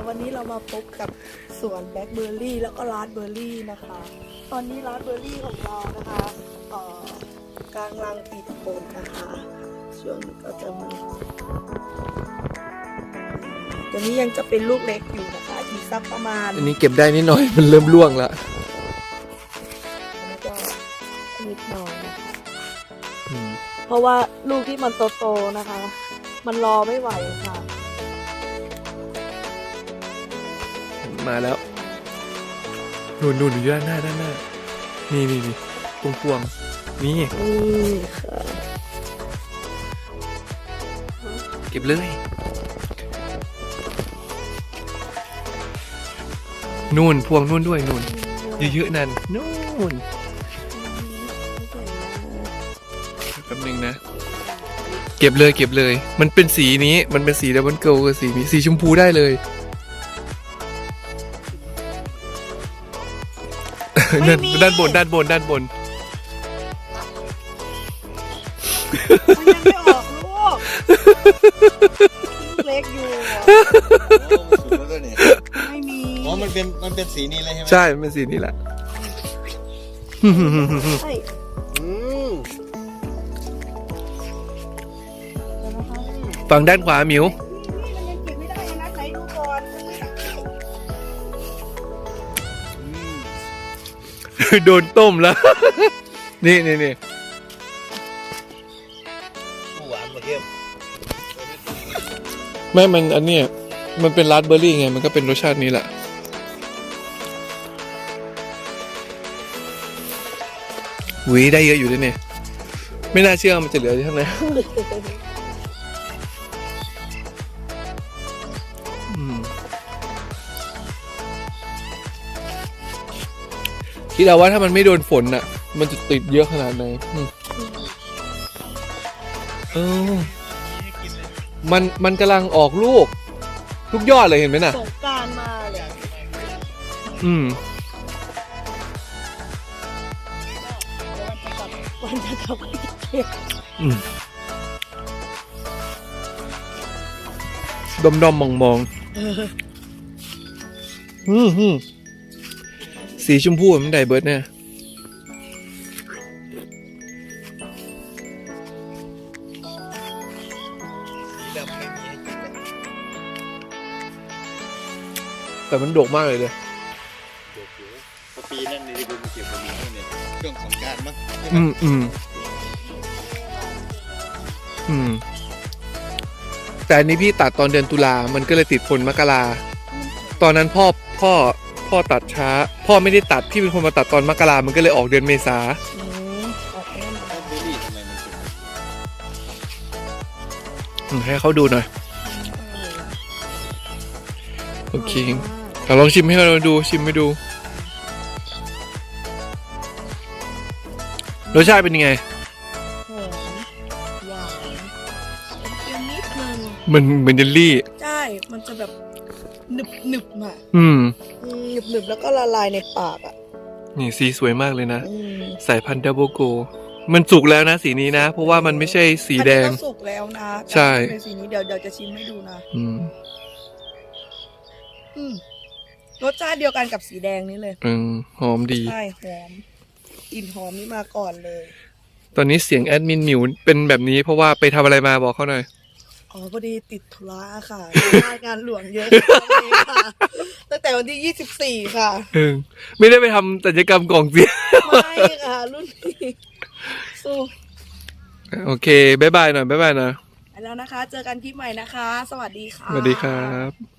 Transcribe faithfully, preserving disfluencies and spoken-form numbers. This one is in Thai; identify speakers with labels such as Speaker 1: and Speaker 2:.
Speaker 1: วันนี้เรามาพบกับสวนแบล็คเบอร์รี่แล้วก็ราสเบอร์รี่นะคะ ตอนนี้ราสเบอร์รี่ของเรานะคะเอ่อกลางรังติดผลนะคะช่วงนี้ก็จะมีตัวนี้ยังจะเป็นลูกเล็กอยู่นะคะอีกสักประมาณ
Speaker 2: อันนี้เก็บได้นิดหน่อยมันเริ่มร่วงแล้ว
Speaker 1: อันนี้ก็นิดหน่อยนะคะ
Speaker 2: อืม
Speaker 1: เพราะว่าลูกที่มันโตๆนะคะ มันรอไม่ไหวค่ะ
Speaker 2: มาแล้วนู่นนู่นอยู่ด้านหน้าด้านหน้านี่นี่นี่ตรงพวงนี่
Speaker 1: นี่ค่ะ
Speaker 2: เก็บเลยนู่นพวงนู่นด้วยนู่นเยอะๆนั่นนู่นแป๊บนึงนะเก็บเลยเก็บเลยมันเป็นสีนี้มันเป็นสีดับเบิลเกิลกับสีนี้สีชมพูได้เลยด้านด้านบนด้านบนด้านบน
Speaker 1: มันยังไม่ออกลูกลูกเล็กอยู่
Speaker 3: โอ้มันสุดแล้วด้วยเนี่ย
Speaker 1: ไม่มี
Speaker 3: อ๋อมันเป็นมันเป็นสีนี้เลยใช่ไหม
Speaker 2: ใช่มันเป็นสีนี้แหละ
Speaker 1: ใช่
Speaker 3: อืม
Speaker 2: ฝั่งด้านขวาหมิว
Speaker 1: นี่มันยังเก็บไม่ได้นะไหนดูก่อน
Speaker 2: โดนต้มแล้ว นี่นี่นี่
Speaker 3: หวานมาเข้ม
Speaker 2: ไม่มันอันเนี้ยมันเป็นราสเบอร์รี่ไงมันก็เป็นรสชาตินี้แหละหวีได้เยอะอยู่ด้วยเนี่ยไม่น่าเชื่อมันจะเหลืออยู่เท่าไหร่อืมคิดเอาว่าถ้ามันไม่โดนฝนน่ะ มันจะติดเยอะขนาดไหนอืมเออมันมันกำลังออกลูกทุกยอดเลยเห็นไหมน่ะ
Speaker 1: สงกรานต์มาเลย
Speaker 2: อืม
Speaker 1: วันจะกลับวันจะกลับไปเก็บ
Speaker 2: อืมดมดมมองมอง
Speaker 1: เออ
Speaker 2: อืมอืมสีชมพูมันไดเบิร์ดเนี่ย
Speaker 3: สีดำไม่มีให้กินเลย
Speaker 2: แต่มันโดกมากเลยเลย
Speaker 3: เดี๋ยวเดี๋ยวพอปีนั่นนี่ที่ผมเก็บมาเนี่ยช่วงสงกรานต์มั้งใช่ไหม
Speaker 2: อืมอืมอืมแต่อันนี้พี่ตัดตอนเดือนตุลามันก็เลยติดผลมกราตอนนั้นพ่อพ่อพ่อตัดช้า พ่อไม่ได้ตัดพี่เป็นคนมาตัดตอนมกรามันก็เลยออกเดือนเมษา
Speaker 1: อืมออกแน่นอน
Speaker 3: แล้วเบอร์รี่ทำไมมันเป็นแบบนี้
Speaker 2: อืมให้เขาดูหน่อยโอเคเอาลองชิมให้เราดูชิมให้ดูรสชาติเป็นยังไง
Speaker 1: หอมหวานเค็มนิดนึง
Speaker 2: มันเหมือนเยลลี่
Speaker 1: ใช่ มันจะแบบหนึบหนึบๆอ่ะ
Speaker 2: อืม
Speaker 1: อืมหนึบหนึบๆแล้วก็ละลายในปากอ่ะ
Speaker 2: นี่สีสวยมากเลยนะ
Speaker 1: อืม
Speaker 2: สายพันธุ์ดับเบิลโกมันสุกแล้วนะสีนี้นะ เพราะว่ามันไม่ใช่สีแดง
Speaker 1: อันนี้ก็สุกแล้วนะ
Speaker 2: ใช่
Speaker 1: เป็นสีนี้เดี๋ยวเดี๋ยวจะชิมให้ดูนะ
Speaker 2: อืม
Speaker 1: อืมรสชาติเดียวกันกับสีแดงนี้เลย
Speaker 2: อืมหอมดี
Speaker 1: ใช่หอมกลิ่นหอมนี่มาก่อนเลย
Speaker 2: ตอนนี้เสียงแอดมินหมิวเป็นแบบนี้เพราะว่าไปทำอะไรมาบอกเขาหน่อย
Speaker 1: อ๋อพอดีติดธุระค่ะงานหลวงเยอะค่ะ ตั้งแต่วันที่ยี่สิบสี่ค่ะ
Speaker 2: เออไม่ได้ไปทำศัลยกรรมกล่องเสียง
Speaker 1: ไม่ค่ะ รุ่นพี่สู้
Speaker 2: โอเคบายบายหน่อยบายบายหน่อย
Speaker 1: ไปแล้วนะคะ เจอกันคลิปใหม่นะคะ สวัสดีค่ะ
Speaker 2: สวัสดีครับ